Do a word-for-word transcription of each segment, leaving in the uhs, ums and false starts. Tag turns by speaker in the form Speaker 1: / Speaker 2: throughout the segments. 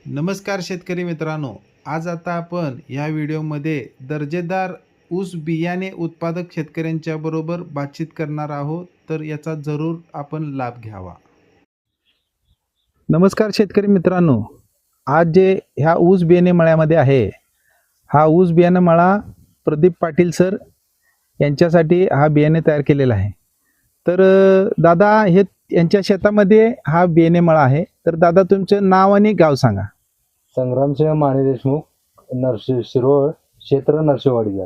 Speaker 1: नमस्कार शेतकरी मित्रांनो, आज आता आपण या व्हिडिओमध्ये दर्जेदार ऊस बियाणे उत्पादक शेतकऱ्यांच्या बरोबर बातचीत करणार आहोत, तर याचा जरूर आपण लाभ घ्यावा. नमस्कार शेतकरी मित्रांनो, आज जे ह्या ऊस बियाणे मळ्यामध्ये आहे, हा ऊस बियाणे मळा प्रदीप पाटील सर यांच्यासाठी हा बियाणे तयार केलेला आहे. तर दादा, हे यांच्या शेतामध्ये हा बियाणे मळा आहे. तर दादा, तुमचं नाव आणि गाव सांगा.
Speaker 2: संग्रामसिंह माने देशमुख, नरसी शिरोळ, क्षेत्र नरसिंहवाडीचा.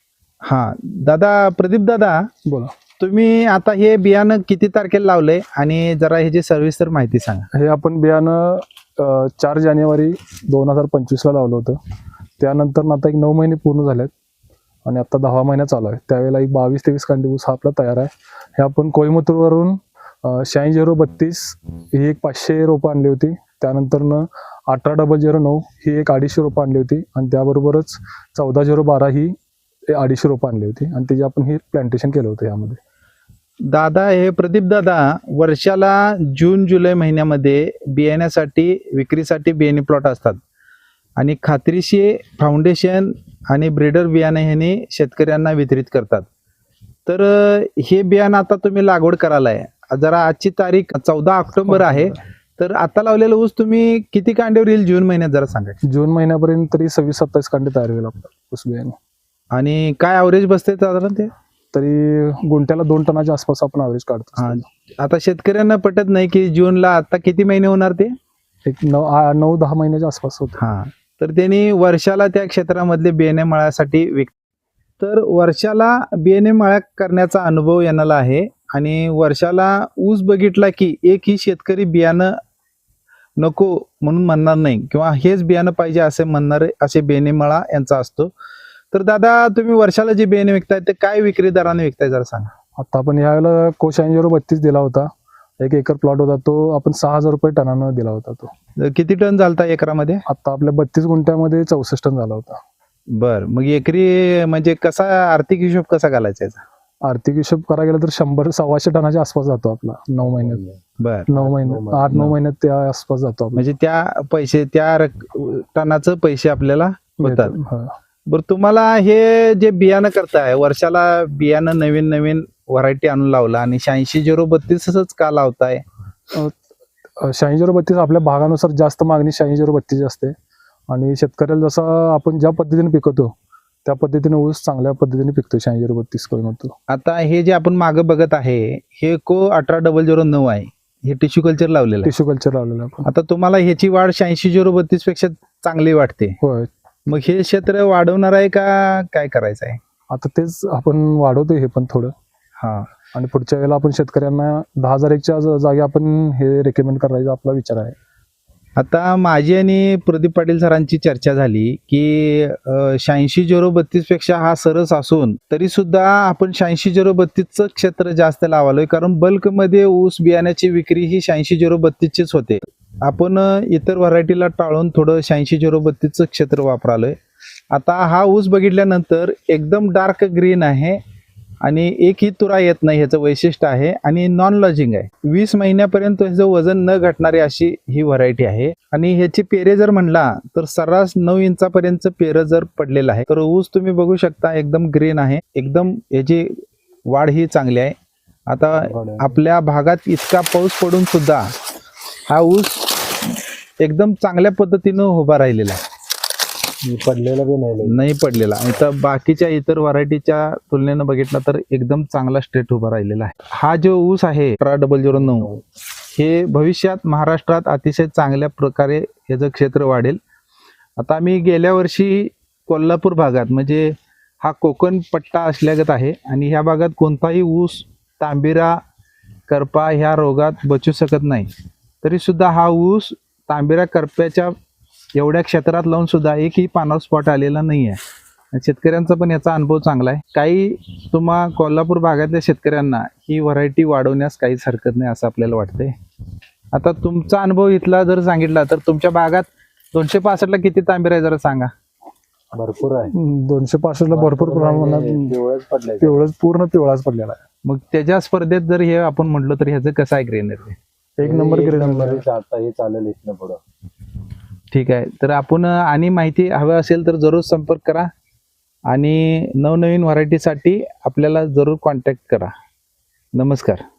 Speaker 1: हा दादा, प्रदीप दादा
Speaker 3: बोला.
Speaker 1: तुम्ही आता हे बियाणं किती तारखेला लावलंय आणि जरा ह्याची सविस्तर माहिती सांगा.
Speaker 3: हे आपण बियाणं अ, चार जानेवारी दोन हजार पंचवीसला लावलं होतं. त्यानंतर आता एक नऊ महिने पूर्ण झालेत आणि आता दहा महिना चालू आहे. त्यावेळेला एक बावीस तेवीस कांडी ऊस हा आपला तयार आहे. हे आपण कोईमतूरवरून शहाऐंशी झिरो बत्तीस ही एक पाचशे रोपं आणली होती. त्यानंतरनं अठरा डबल झिरो नऊ ही एक अडीचशे रोपं आणली होती आणि त्याबरोबरच चौदा झिरो बारा ही अडीचशे रोपं आणली होती आणि त्याची आपण हे प्लांटेशन केलं होतं यामध्ये.
Speaker 1: दादा, हे प्रदीप दादा वर्षाला जून जुलै महिन्यामध्ये बियाण्यासाठी विक्रीसाठी बियाणे प्लॉट असतात आणि खात्रीशीर फाउंडेशन आणि ब्रीडर बियाणे ह्याने शेतकऱ्यांना वितरित करतात. तर हे बियाणं आता तुम्ही लागवड करायला आहे. जरा आजची तारीख चौदा ऑक्टोबर आहे. तर आता लावलेलं ऊस तुम्ही किती कांड्यावर येईल जून महिन्यात जरा सांगा.
Speaker 3: जून महिन्यापर्यंत तरी सव्वीस सत्तावीस कांडे तयार होईल आपलं ऊस बियाणं.
Speaker 1: आणि काय ॲव्हरेज बसते साधारण ते?
Speaker 3: तरी गुंठ्याला दोन टनाच्या आसपास आपण ॲव्हरेज काढतो.
Speaker 1: हा, आता शेतकऱ्यांना पटत नाही की जूनला आता किती महिने होणार ते?
Speaker 3: एक नऊ आ- नऊ दहा महिन्याच्या आसपास होतं.
Speaker 1: हा, तर त्यांनी वर्षाला त्या क्षेत्रामधले बियाणे मळ्यासाठी विक तर वर्षाला बियाणे मळ्या करण्याचा अनुभव यांना आहे आणि वर्षाला ऊस बघितला की एकही शेतकरी बियाणं नको म्हणून म्हणणार नाही किंवा हेच बियाणं पाहिजे असे म्हणणारे असे बियाणे मळा यांचा असतो. तर दादा, तुम्ही वर्षाला जे बियाणे विकताय ते काय विक्री दराने विकताय जरा सांगा.
Speaker 3: आता आपण यावेळेला कोश ऐंशी झिरो बत्तीस दिला होता. एक एकर प्लॉट होता, तो आपण सहा हजार रुपये टनानं दिला होता. तो
Speaker 1: तर किती टन झालता एकरामध्ये?
Speaker 3: आता आपल्या बत्तीस गुंठ्यामध्ये चौसष्ट टन झाला होता.
Speaker 1: बर, मग एकरी म्हणजे कसा आर्थिक हिशोब कसा घालायचा याचा?
Speaker 3: आर्थिक हिशोब करायला गेलं तर शंभर सव्वाशे टनाच्या आसपास जातो आपला नऊ महिन्यात.
Speaker 1: बर,
Speaker 3: नऊ महिन्यात आठ नऊ महिन्यात त्या आसपास जातो आपला.
Speaker 1: म्हणजे त्या पैसे त्या रक- टनाचं पैसे आपल्याला होतात.
Speaker 3: हा.
Speaker 1: बरं, तुम्हाला हे जे बियाणं करताय वर्षाला बियाणं नवीन नवीन व्हरायटी आणून लावला आणि शहाऐंशी झिरो बत्तीसच का लावताय?
Speaker 3: शहाऐंशी झिरो बत्तीस आपल्या भागानुसार जास्त मागणी शहाऐंशी झिरो बत्तीस असते आणि शेतकऱ्याला जसं आपण ज्या पद्धतीने पिकवतो त्या पद्धतीने ऊस चांगल्या पद्धतीने पिकतो शहाऐंशी झिरो बत्तीस करून.
Speaker 1: आता हे जे आपण मागं बघत आहे हे को अठरा डबल झिरो नऊ आहे. हे टिश्यू कल्चर लावलेलं आहे.
Speaker 3: टिश्यू कल्चर लावलेलं आपण.
Speaker 1: आता तुम्हाला ह्याची वाढ शहाऐंशी झिरो बत्तीस पेक्षा चांगली वाटते.
Speaker 3: होय.
Speaker 1: मग हे क्षेत्र वाढवणार आहे का काय करायचं आहे?
Speaker 3: आता तेच आपण वाढवतोय हे पण थोडं.
Speaker 1: हा,
Speaker 3: आणि पुढच्या वेळेला आपण शेतकऱ्यांना दहा हजार एकच्या जागी आपण हे रेकमेंड करायचा आपला विचार आहे. आता
Speaker 1: माझी आणि प्रदीप पाटील सरांची चर्चा झाली की शहाऐंशी झिरो बत्तीस पेक्षा हा सरस असून तरी सुद्धा आपण शहाऐंशी झिरो बत्तीसचं क्षेत्र जास्त लावालोय, कारण बल्कमध्ये ऊस बियाण्याची विक्री ही शहाऐंशी झिरो बत्तीसचीच होते. आपण इतर व्हरायटीला टाळून थोडं शहाऐंशी झिरो बत्तीसचं क्षेत्र वापरालोय. आता हा ऊस बघितल्यानंतर एकदम डार्क ग्रीन आहे आणि एकही तुरा येत नाही, ह्याचं वैशिष्ट्य आहे आणि नॉन लॉजिंग आहे. वीस महिन्यापर्यंत ह्याचं वजन न घटणारी अशी ही व्हरायटी आहे आणि ह्याची पेरे जर म्हणला तर सर्रास नऊ इंचापर्यंत पेरं जर पडलेलं आहे. तर ऊस तुम्ही बघू शकता एकदम ग्रीन आहे, एकदम याची वाढ ही चांगली आहे. आता आपल्या भागात इतका पाऊस पडून सुद्धा हा ऊस एकदम चांगल्या पद्धतीनं उभा राहिलेला आहे,
Speaker 2: पडलेला बी नाही
Speaker 1: नाही पडलेला. तर बाकीच्या इतर व्हरायटीच्या तुलनेनं बघितलं तर एकदम चांगला स्ट्रेट उभा राहिलेला आहे. हा जो ऊस आहे अठरा डबल झिरो नऊ हे भविष्यात महाराष्ट्रात अतिशय चांगल्या प्रकारे याचं क्षेत्र वाढेल. आता आम्ही गेल्या वर्षी कोल्हापूर भागात म्हणजे हा कोकण पट्टा असल्यागत आहे आणि ह्या भागात कोणताही ऊस तांबिरा करपा ह्या रोगात बचू शकत नाही. तरी सुद्धा हा ऊस तांबिरा करप्याच्या एवढ्या क्षेत्रात लावून सुद्धा एकही पानावर स्पॉट आलेला नाही आहे. शेतकऱ्यांचा पण याचा अनुभव चांगला आहे. काही तुम्हा कोल्हापूर भागातल्या शेतकऱ्यांना ही व्हरायटी वाढवण्यास काहीच हरकत नाही असं आपल्याला वाटतंय. आता तुमचा अनुभव इथला जर सांगितला तर तुमच्या भागात दोनशे पासष्टला किती तांबिरा आहे जरा सांगा.
Speaker 2: भरपूर आहे.
Speaker 3: दोनशे पासष्टला भरपूर प्रमाणात
Speaker 2: पिवळाच पडलाय.
Speaker 3: पिवळच पूर्ण पिवळाच पडलेला आहे.
Speaker 1: मग त्याच्या स्पर्धेत जर हे आपण म्हटलं तर ह्याचं कसं आहे ग्रेनरी?
Speaker 3: एक नंबर ग्रेड नंबर.
Speaker 2: आता हे चालेल इथनं पुढं.
Speaker 1: ठीक आहे. तर आपण अ, आणि माहिती हवी असेल तर जरूर संपर्क करा आणि नवनवीन व्हरायटीसाठी आपल्याला जरूर कॉन्टॅक्ट करा. नमस्कार.